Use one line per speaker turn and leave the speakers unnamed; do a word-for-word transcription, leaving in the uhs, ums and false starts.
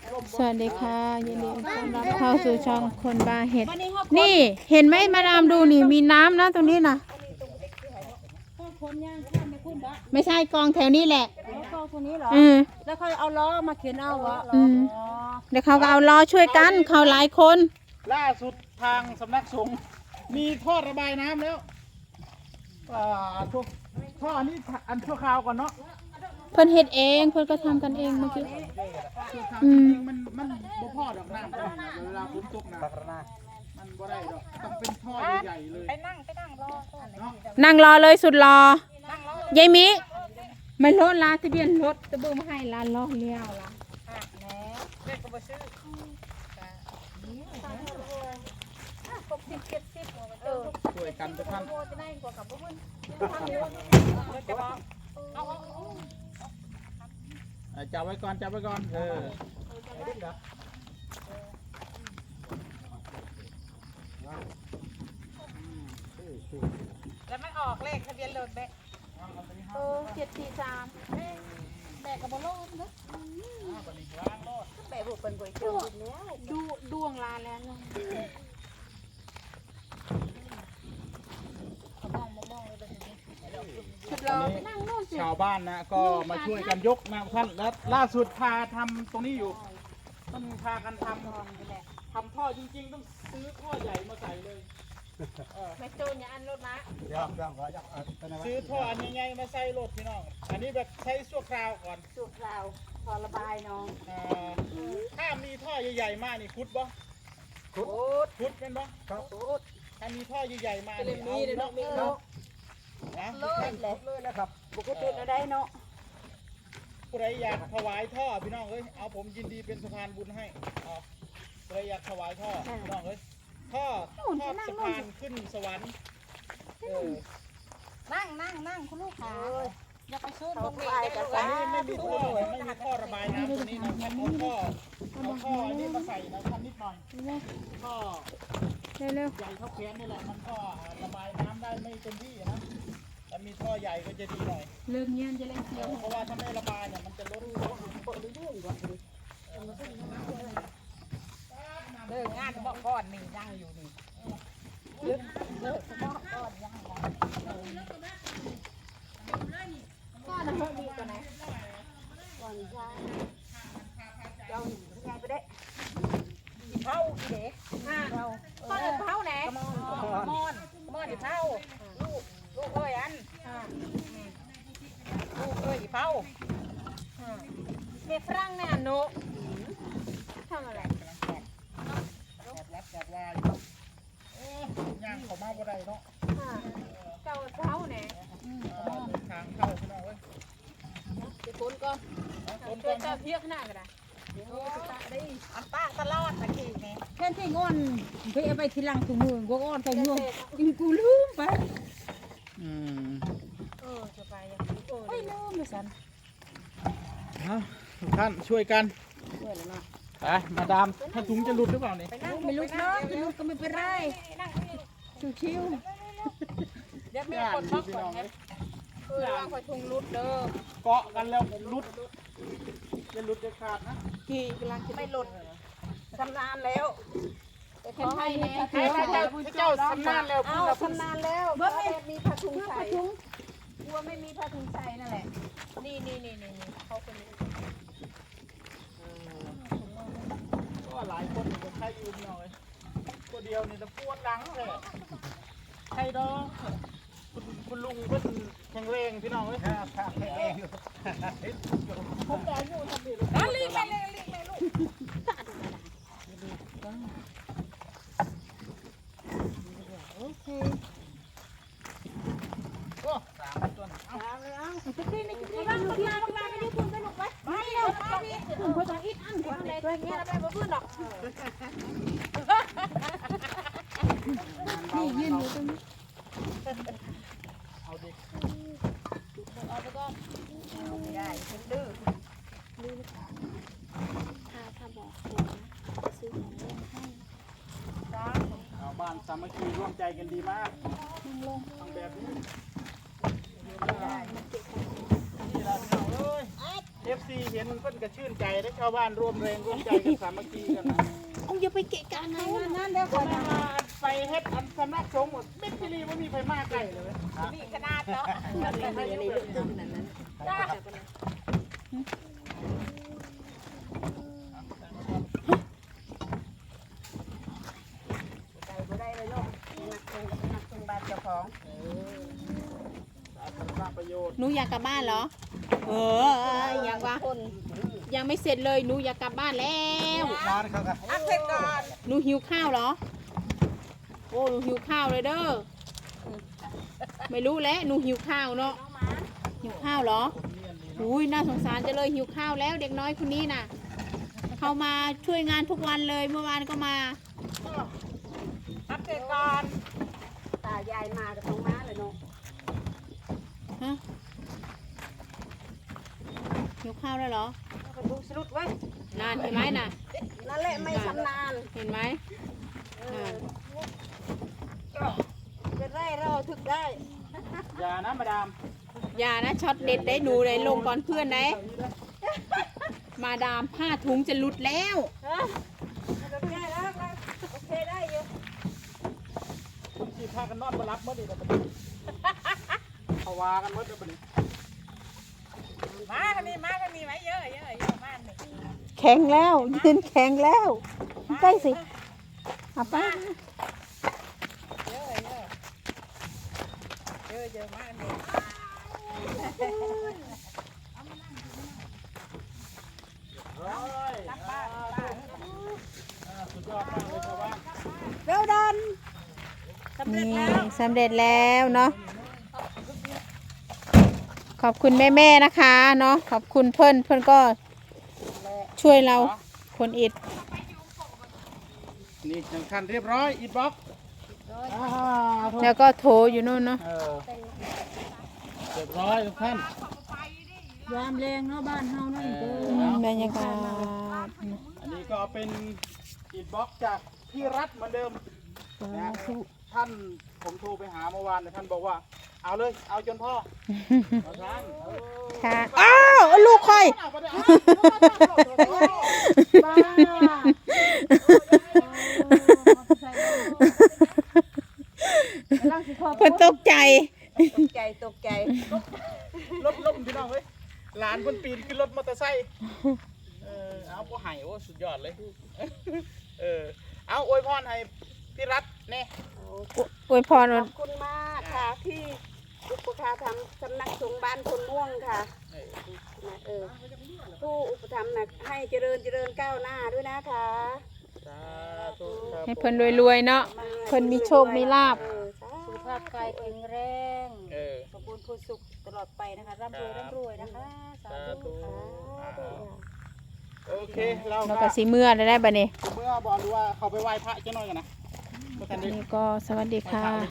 สวัสดีค่ะยินดีต้อนรับเข้าสู่ช่องคนบาเห็ดนี่เห็นไหมมาดามดูนี่มีน้ำนะตรงนี้นะไม่ใช่กองแถวนี้แหละ
กองตัวนี้เหรอ
อืม
แล้วเขาเอาล้อมาเข็นเอาวะ
อืมเดี๋ยวเขาก็เอาล้อช่วยกันเขาหลายคน
ล่าสุดทางสำนักสงฆ์มีท่อระบายน้ำแล้วอ่าท่อท่ออันนี้อันชั่วคราวก่อนเนาะ
เพิ่นเฮ็ดเองเพิ่นก็ทำกันเองเมื่อกี้
ชั่วคราว
อื
จ
ม
ริงๆมันมันบ่พอดอกน้ำเวลาฝนตกนะมันบ่ได้ดอกต้องเป็นท่อใหญ่ๆเลย
ไปนั่งไปนั่งรอ
เนาะ
นั่งรอเลยสุดรอยายมิไม่รถลาทะเบียนรถตะเบิ่งมาให้ลานล้อเลี้ยวล่ะ
แหนเด็กก็มาซื้อหกสิบเจ็ดสิบเออ
ช่วยกันทุกท่าน
โมจะได้กว่ากับพวกมึงจะบอกเอาเอาเอา
อ่าจับไว้ก่อนจับไว้ก่อนเออ
แล้วมันออกเลขทะเบียนรถแบกเออเจ็ดสี่สามแบกกับบอลลูนนะแบกบุกเป็นก๋วยเตี๋ยวแล้วดูดวงลาแล้วเนาะชุดเราไปนั่งโน่นสิ
ชาวบ้านนะก็มาช่วยกันยกนะท่านและล่าสุดพาทำตรงนี้อยู่ต้องพากันทำทำท่อจริงๆต้องซื้อท่อใหญ่มาใส่เลยเออ
ไม่โจนอย่าอันรถนะ
ซื้อท่ออันใหญ่ๆมาใส่รถพี่น้อง อันนี้แบบใช้ชั่วคราวก่อน
สุกเราพอระบายน้อง
อ่าถ้ามีท่อใหญ่ๆมากนี่คุดบ่
โอ้ด
คุดเป็นบ่ถ้ามีท่อใหญ่ๆมานี่
มีเลยเนาะมีเนาะ
นะ
เลยเลยเลยนะครับบุกตุนได้เนาะ
ผู้ใดอยากถวายท่อพี่น้องเอ้ยเอาผมยินดีเป็นสะพานบุญให้เอาผู้ใดอยากถวายท่อพี่น้องเอ้ยท่อท่อสะพานขึ้นสวรรค์เออ
นั่งนั่งนั่งคุณลูกขาอย่าไปซื้อตรงนี้
อันนี้ไม่มีท่อไม่มีท่อระบายน้ำตัวนี้นะท่านเอาท่อเอาท่ออันนี้มาใส่นะท่านนิดหน่อยท่อ
เร็ว
ใหญ่เท่าแขนนี่แหละมันก็ระบายน้ำได้ไม่เต็มที่นะแต่มีท่อใหญ่ก็จะดีหน่อย
ๆเริ่มเงียนจะเล่นเสียว
เพราะว่าถ้าไม่ระบายเนี่ยมันจะล้นล้น
เลิกงานเมื่อก่อนนี่นั่งอยู่นี่เลิกเลิกเมื่อก่อนยังก็นะเขาดีกว่าไหนก่อนใช่เจ้าไงไปได้เท่าอีเด็กเราก็เออเท่าไหนมอนมอนมอนอีเท่าลูกลูกเอ้ยอันลูกเอ้ยอีเท่าเก็บฝรั่งเนี่ยหนูทำอะไร
แบบรับแบบวายโอ้ย่างเขามาบ่ได้เนาะ
เจ้าเท้าเนี่ย
ทางเข้าพี่น้องเว้ย
จะคนก็
ต้น
ช่
ต้
วย
น
เจ้าเพียกหน้ากันนะโอ้ตาได้อันป้าตลอดตะกี้นี่
แค่ที่งอนเพื่อไปทีหลังถุงมือก็อ้อนไปงวงอินกูลืมไป
อืม
เออจะไปยังเออ
ไม่ลืมเลยสัน
เอาทุกท่านช่วยกัน
ช่วยแล้วนะ
ไปมาดามถ้าถุงจะหลุดหรือเปล่านี่
ไปนั่ง
ไม่ลุกเนาะไม่ลุกก็ไม่เป็นไร
นั่ง
ชิว
เดี๋ยวมีคนมาก่อนนะเพื่อว่าคอยทุงรุดเด้อ
เกาะกันแล้วหลุดจะหลุดจะขาดนะ
กี่กำลังจะไม่หลุดชำนาญแล้วแต่ขอให้แน่
ให้พระเจ้าพระเจ้าสำนานแล้ว
เอาชำนาญแล้วเพราะไม่มีผ้าถุงใส่กลัวไม่มีผ้าถุงใส่นั่นแหละนี่นี่นี่นี่เขาคนนี้
ก็หลายคนก็ใครอยู่หน่อยตัวเดียวนี่จะปวดหลังเลยใครดอกคุณคุณลุงเพิ่นแข็งแรงพี่น้องเอ้ยครับแข็งแรงผมได้อยู่ทำดีลูก
นั่นรีบไปเลยรีบไปลูก
โอ้สามต้นเอ้า
ๆจะกินในกินบ้างกินมาบ้างไม่ได้คุณไปลุกไปไม่เร็วมาพี่คุณเขาต้องอิดอันกว่า
อะไรตัวเงี้ยเราไปบ่พื้นหรอก
นี่ยืนอยู่ตรงนี้
เอาดิ
เอาไปก่อนไม่ได้ฉันดื้อ
เอาบ้านสามัคคีร่วมใจกันดีมากทำแบบนี้นี่ละพี่น้องเอ้ยเอฟซีเห็นเพิ่นก็ชื่นใจได้ชาวบ้านร่วมแรงร่วมใจกันสามัคคีกันนะ
เอาอย่าไปเกะกะเขา
นั่นเดี๋ยว
ค
ก่อน น
มาไปเฮ็ดอันสำนักสงฆ์หมดเม็ดพิรีว่ามีไฟมาไกลเลย
มีขนาดเนาะ
อะไรเรื่องตึ้งนั่นนั้น
จ้าใจบ่ได้เลยลูกนักคงกับนักคงบ้านเจ้าของ
สาธารณประโยชน์
หนูอยากกลับบ้านเหรอเออยังวะ
คน
ยังไม่เสร็จเลยหนูอยากกลับบ้านแล้ว
ร้านเขาครับ
อักเสบก่อน
หนูหิวข้าวเหรอโอ้หนูหิวข้าวเลยเด้อไม่รู้แล้วหนูหิวข้าวเนาะหิวข้าวเหรออุ้ยน่าสงสารจะเลยหิวข้าวแล้วเด็กน้อยคนนี้น่ะเขามาช่วยงานทุกวันเลยเมื่อวานก็มา
อักเสบก่อนตายายมากับน้องม้าเลยเนาะ
ฮะหิวข้าวแล้วเหรอ
ก็ดูสรุดไว้
นานเห็นไหมน่ะ
นั่นแหละไม่ชำนาญ
เห็นไหม
เออเป็นไรเราถึกได้
อย่านะมาดาม
อย่านะช็อตเด็ดได้หนูเลยลงก่อนเพื่อนไหนมาดามผ้าถุงจะหลุดแล้ว
ฮะโอเคแล้วโอเคได้อยู่
คุณสิพากันนอนบ่รับเมื่อดีแต่บัดนี้เขาว่ากันเมื่อเดี๋ยวบัดนี้
มากันนี่มากันนี่ไหมเยอะเยอะเยอะมากเลย
แข็งแล้วยืนแข็งแล้วใกล้สิเอาไป
เยอะเยอะเยอะเยอะมากเลย
ร้อยรับบ้านสุดยอดมากเลยชาวบ้าน
เร็วดัน
นี่สำเร็จแล้วเนาะขอบคุณแม่ๆนะคะเนาะขอบคุณเพื่อนเพื่อนก็ช่วยเราคนอิด
นี่ยังคันเรียบร้อยอิดบล็อกอ่าโทษ
แล้วก็โถอยู่นู่นเนาะ
เออเรียบร้อยทุกท่าน
ยามแรงเนาะบ้านเฮาเนาะ
เออ
อืมบรรยากาศ
อันนี้ก็เป็นอิดบล็อกจากพี่รัฐเหมือนเดิมนะท่านผมโทรไปหาเมื่อวานเนี่ยท่านบอกว่าเอาเลยเอาจนพ่อเอาท่านเออ
ค่ะอ้าวลูกค่อย
เอาไปเลยเอาบ้า
เพิ่นตกใจ
ตกใจตกใจ
รถล้มพี่น้องเฮ้ยหลานเพิ่นปีนขึ้นรถมอเตอร์ไซค์เออเอาผู้ให้โอ้สุดยอดเลยเออเอาอวยพรให้พี่รัฐเนี่ย
อวยพร
ข
วั
อน บคุณมากค่ะที่อุปการทำสำนักสงฆ์บ้านคนม่วงค่ะนะเออผู้อุปถัมภ์นะให้เจริญเจริญก้าวหน้าด้วยนะคะ
สาธุครับ
ให้เพิ่นรวยๆเนาะเพิ่นมีโชคมีลาภ
เออสา
สุขภาพกายแข็งแรง
เออ
สมบูรณ์พูสุขตลอดไปนะคะร่ำรวยร่ำรวยนะคะสา
สา
ธุ
ธุ
ธุ
โอเคเรา
แล้ว
ก็
ก็สิเมื่อได้ได้บัดนี้
เมื่อบอกดูว่าเขาไปไหว้พระเจ้าหน่อยกันนะ
นี่ก็สวัสดีค่ะ